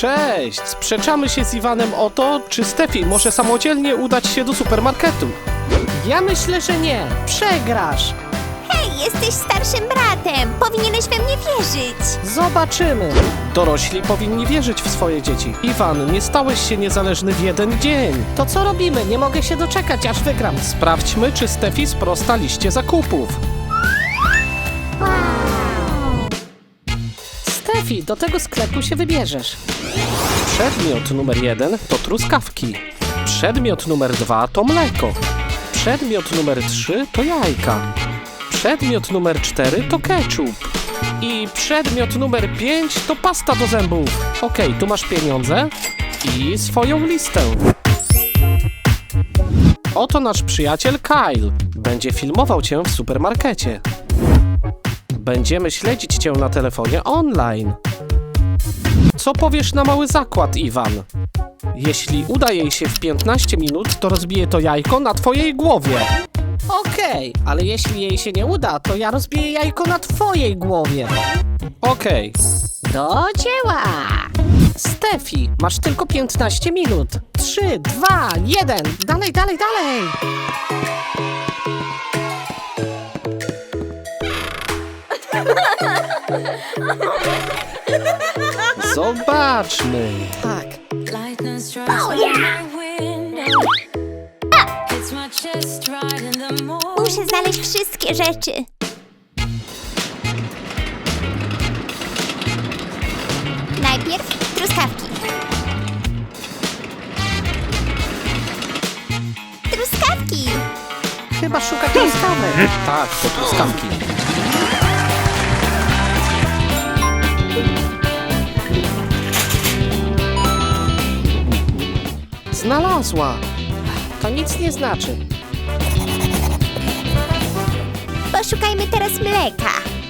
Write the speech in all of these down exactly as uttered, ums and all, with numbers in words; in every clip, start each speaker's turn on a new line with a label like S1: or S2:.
S1: Cześć! Sprzeczamy się z Iwanem o to, czy Stefi może samodzielnie udać się do supermarketu.
S2: Ja myślę, że nie. Przegrasz.
S3: Hej, jesteś starszym bratem. Powinieneś we mnie wierzyć.
S2: Zobaczymy.
S1: Dorośli powinni wierzyć w swoje dzieci. Iwan, nie stałeś się niezależny w jeden dzień.
S2: To co robimy? Nie mogę się doczekać, aż wygram.
S1: Sprawdźmy, czy Stefi sprosta liście zakupów.
S2: Stefi, do tego sklepu się wybierzesz.
S1: Przedmiot numer jeden to truskawki. Przedmiot numer dwa to mleko. Przedmiot numer trzy to jajka. Przedmiot numer cztery to ketchup. I przedmiot numer pięć to pasta do zębów. Okej, tu masz pieniądze i swoją listę. Oto nasz przyjaciel Kyle. Będzie filmował cię w supermarkecie. Będziemy śledzić cię na telefonie online. Co powiesz na mały zakład, Iwan? Jeśli uda jej się w piętnaście minut, to rozbije to jajko na twojej głowie.
S2: Okej, ale jeśli jej się nie uda, to ja rozbiję jajko na twojej głowie.
S1: Okej.
S2: Do dzieła! Stefi, masz tylko piętnaście minut. trzy, dwa, jeden. Dalej, dalej, dalej.
S1: Zobaczmy.
S2: Tak.
S4: Lightning strikes my window. Hits my chest right in the morning.
S3: Muszę znaleźć wszystkie rzeczy. Najpierw truskawki. Truskawki!
S2: Chyba szuka truskawek.
S1: Tak, to truskawki.
S2: Znalazła. To nic nie znaczy.
S3: Poszukajmy teraz mleka.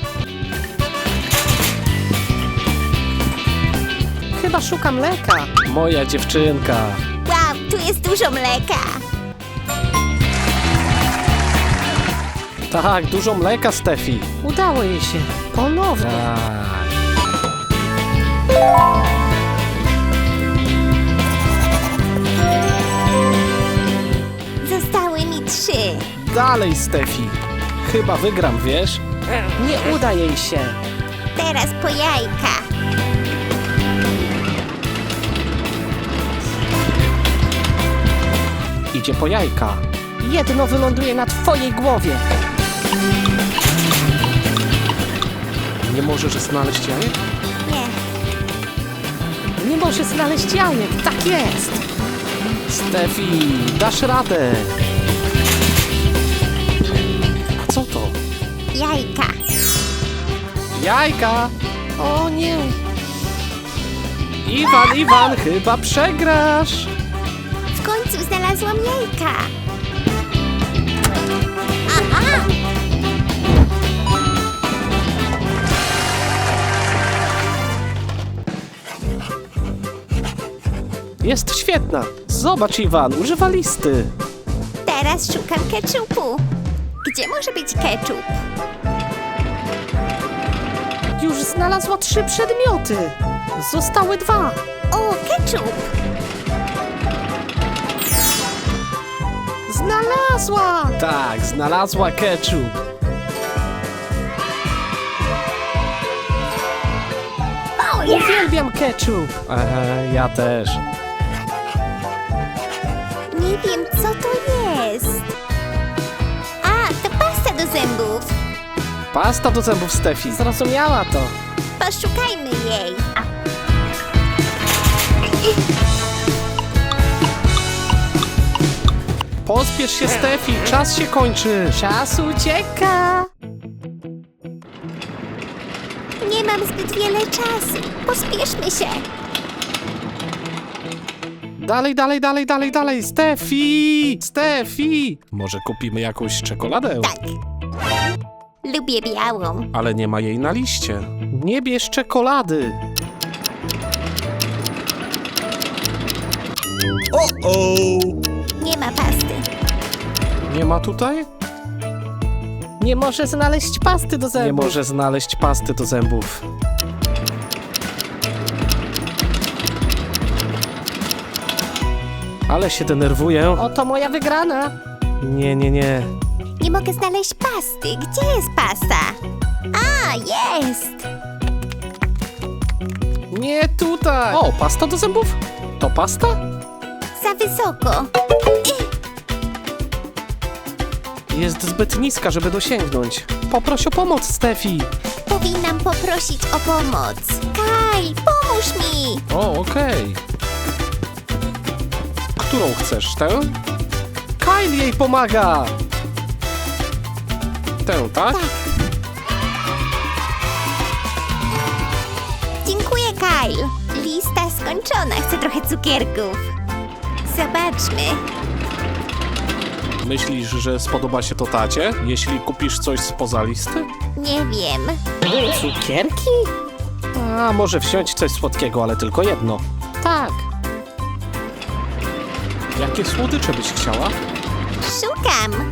S2: Chyba szuka mleka.
S1: Moja dziewczynka.
S3: Wow, tu jest dużo mleka.
S1: Tak, dużo mleka, Stefi.
S2: Udało jej się. Ponownie.
S1: Tak.
S3: Zostały mi trzy.
S1: Dalej, Stefi. Chyba wygram, wiesz?
S2: Nie uda jej się.
S3: Teraz po jajka.
S1: Idzie po jajka.
S2: Jedno wyląduje na twojej głowie.
S1: Nie możesz znaleźć jajek?
S3: Nie.
S2: Nie może znaleźć jajek. Tak jest.
S1: Stefi, dasz radę. A co to?
S3: Jajka.
S1: Jajka!
S2: O nie.
S1: Iwan, Iwan, chyba przegrasz.
S3: W końcu znalazłam jajka. Aha!
S1: Jest świetna. Zobacz, Iwan, używa listy.
S3: Teraz szukam ketchupu. Gdzie może być ketchup?
S2: Już znalazła trzy przedmioty. Zostały dwa.
S3: O, ketchup!
S2: Znalazła.
S1: Tak, znalazła ketchup.
S2: Uwielbiam ketchup.
S1: Aha, ja też.
S3: Nie wiem, co to jest. A, to pasta do zębów.
S1: Pasta do zębów, Stefi.
S2: Zrozumiała to.
S3: Poszukajmy jej.
S1: Pospiesz się, Stefi, czas się kończy.
S2: Czas ucieka.
S3: Nie mam zbyt wiele czasu. Pospieszmy się.
S1: Dalej, dalej, dalej, dalej, dalej. Stefi! Stefi! Może kupimy jakąś czekoladę?
S3: Tak. Lubię białą.
S1: Ale nie ma jej na liście. Nie bierz czekolady.
S3: Nie ma pasty.
S1: Nie ma tutaj?
S2: Nie może znaleźć pasty do zębów.
S1: Nie może znaleźć pasty do zębów. Ale się denerwuję.
S2: Oto moja wygrana.
S1: Nie, nie, nie.
S3: Nie mogę znaleźć pasty. Gdzie jest pasta? A, jest!
S1: Nie tutaj. O, pasta do zębów? To pasta?
S3: Za wysoko.
S1: Jest zbyt niska, żeby dosięgnąć. Poproś o pomoc, Stefi.
S3: Powinnam poprosić o pomoc. Kyle, pomóż mi!
S1: O, okej. Którą chcesz, tę? Kyle jej pomaga! Tę, tak?
S3: Dziękuję, Kyle. Lista skończona. Chcę trochę cukierków. Zobaczmy.
S1: Myślisz, że spodoba się to tacie, jeśli kupisz coś spoza listy?
S3: Nie wiem.
S2: Cukierki?
S1: A, może wsiąść coś słodkiego, ale tylko jedno.
S2: Tak.
S1: Jakie słodycze byś chciała?
S3: Szukam.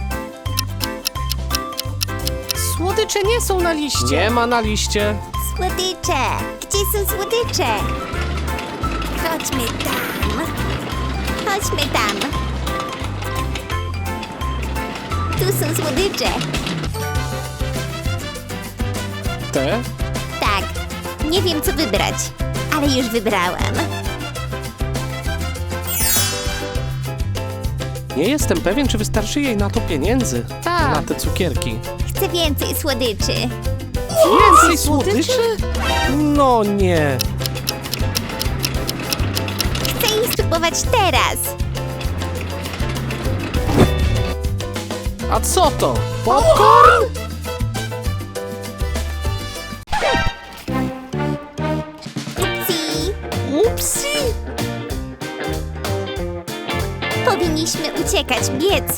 S2: Słodycze nie są na liście.
S1: Nie ma na liście.
S3: Słodycze. Gdzie są słodycze? Chodźmy tam. Chodźmy tam. Tu są słodycze.
S1: Te?
S3: Tak. Nie wiem, co wybrać, ale już wybrałam.
S1: Nie jestem pewien, czy wystarczy jej na to pieniędzy.
S2: Tak.
S1: Na te cukierki.
S3: Chcę więcej słodyczy.
S1: Więcej słodyczy? No nie.
S3: Chcę ich spróbować teraz.
S1: A co to? Popcorn?
S3: Upsi.
S1: Upsi!
S3: Powinniśmy uciekać, biec.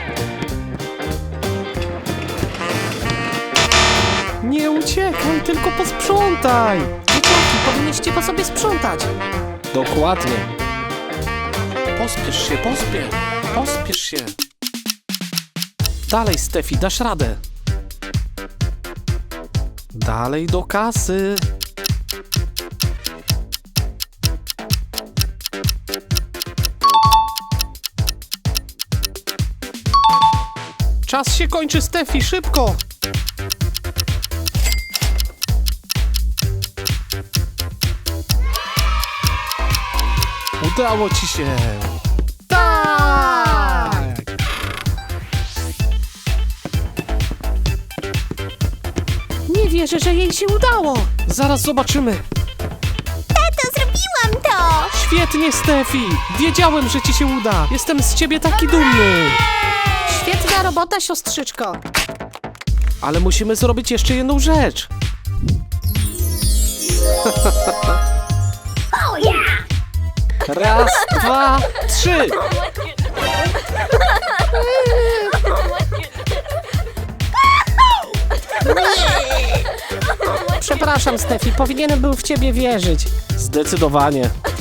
S1: Nie uciekaj, tylko posprzątaj.
S2: Dzieciaki, powinniście po sobie sprzątać.
S1: Dokładnie. Pospiesz się, pospiesz. Pospiesz się. Dalej, Stefi, dasz radę. Dalej do kasy. Czas się kończy, Stefi, szybko. Udało ci się. Tak!
S2: Nie wierzę, że jej się udało.
S1: Zaraz zobaczymy.
S3: Tato, zrobiłam to!
S1: Świetnie, Stefi. Wiedziałem, że ci się uda. Jestem z ciebie taki dumny.
S2: Świetna robota, siostrzyczko.
S1: Ale musimy zrobić jeszcze jedną rzecz. Raz, dwa, trzy.
S2: Przepraszam, Stefi, powinienem był w ciebie wierzyć.
S1: Zdecydowanie.